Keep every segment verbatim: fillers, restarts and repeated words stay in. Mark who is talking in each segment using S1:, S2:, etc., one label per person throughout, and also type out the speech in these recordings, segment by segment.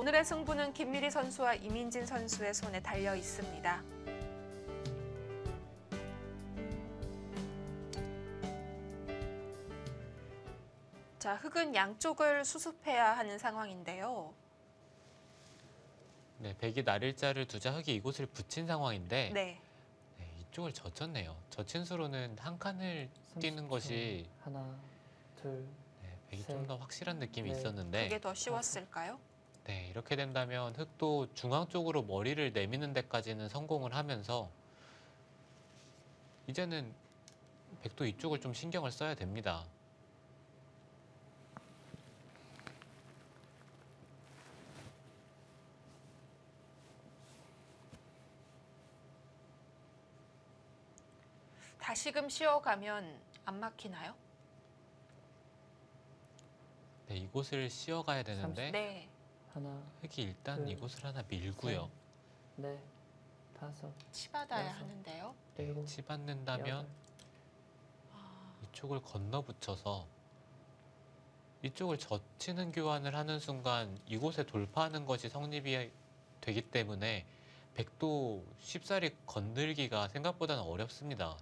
S1: 오늘의 승부는 김미리 선수와 이민진 선수의 손에 달려 있습니다. 자, 흙은 양쪽을 수습해야 하는 상황인데요.
S2: 네, 백이 날일자를 두자 흙이 이곳을 붙인 상황인데
S1: 네.
S2: 네, 이쪽을 젖혔네요. 젖힌 수로는 한 칸을 뛰는
S3: 삼십 초.
S2: 것이
S3: 하나, 둘,
S2: 네, 백이
S3: 셋,
S2: 좀 더 확실한 느낌이
S3: 넷.
S2: 있었는데
S1: 그게 더 쉬웠을까요?
S2: 네, 이렇게 된다면 흙도 중앙 쪽으로 머리를 내미는 데까지는 성공을 하면서 이제는 백도 이쪽을 좀 신경을 써야 됩니다.
S1: 다시금 쉬어가면 안 막히나요?
S2: 네, 이곳을 씌어가야 되는데
S1: 네.
S3: 하나,
S2: 흙이 일단
S3: 둘,
S2: 이곳을 하나 밀고요.
S3: 넷, 다섯,
S1: 치받아야
S3: 여섯.
S1: 하는데요.
S3: 일곱,
S2: 치받는다면
S3: 여덟.
S2: 이쪽을 건너 붙여서 이쪽을 젖히는 교환을 하는 순간 이곳에 돌파하는 것이 성립이 되기 때문에 백도 쉽사리 건들기가 생각보다는 어렵습니다.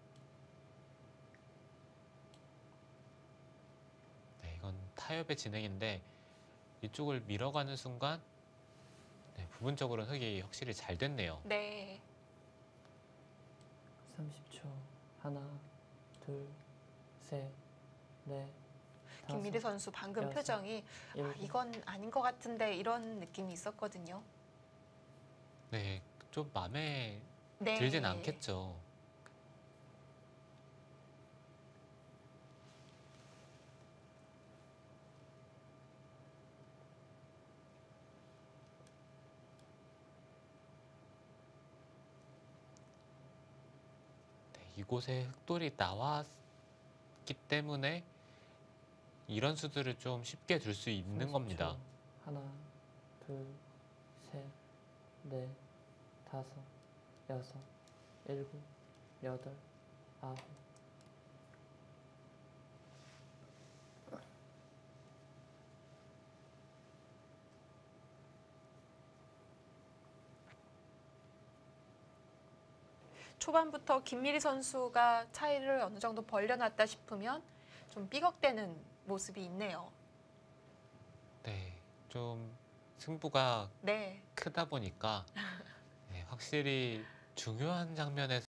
S2: 네, 이건 타협의 진행인데 이쪽을 밀어가는 순간 네, 부분적으로 흙이 확실히 잘 됐네요.
S1: 네.
S3: 삼십 초. 하나, 둘, 셋, 넷,
S1: 김미리
S3: 다섯,
S1: 선수 방금
S3: 여섯,
S1: 표정이 아,
S3: 일곱.
S1: 이건 아닌 것 같은데 이런 느낌이 있었거든요.
S2: 네, 좀 마음에
S1: 네.
S2: 들진 않겠죠. 네, 이곳에 흙돌이 나왔기 때문에 이런 수들을 좀 쉽게 둘 수 있는
S3: 삼십 초.
S2: 겁니다.
S3: 하나, 둘, 셋, 넷, 다섯, 여섯, 일곱, 여덟, 아홉.
S1: 초반부터 김미리 선수가 차이를 어느 정도 벌려놨다 싶으면 좀 삐걱대는 모습이 있네요.
S2: 네, 좀 승부가
S1: 네.
S2: 크다 보니까 네, 확실히 중요한 장면에서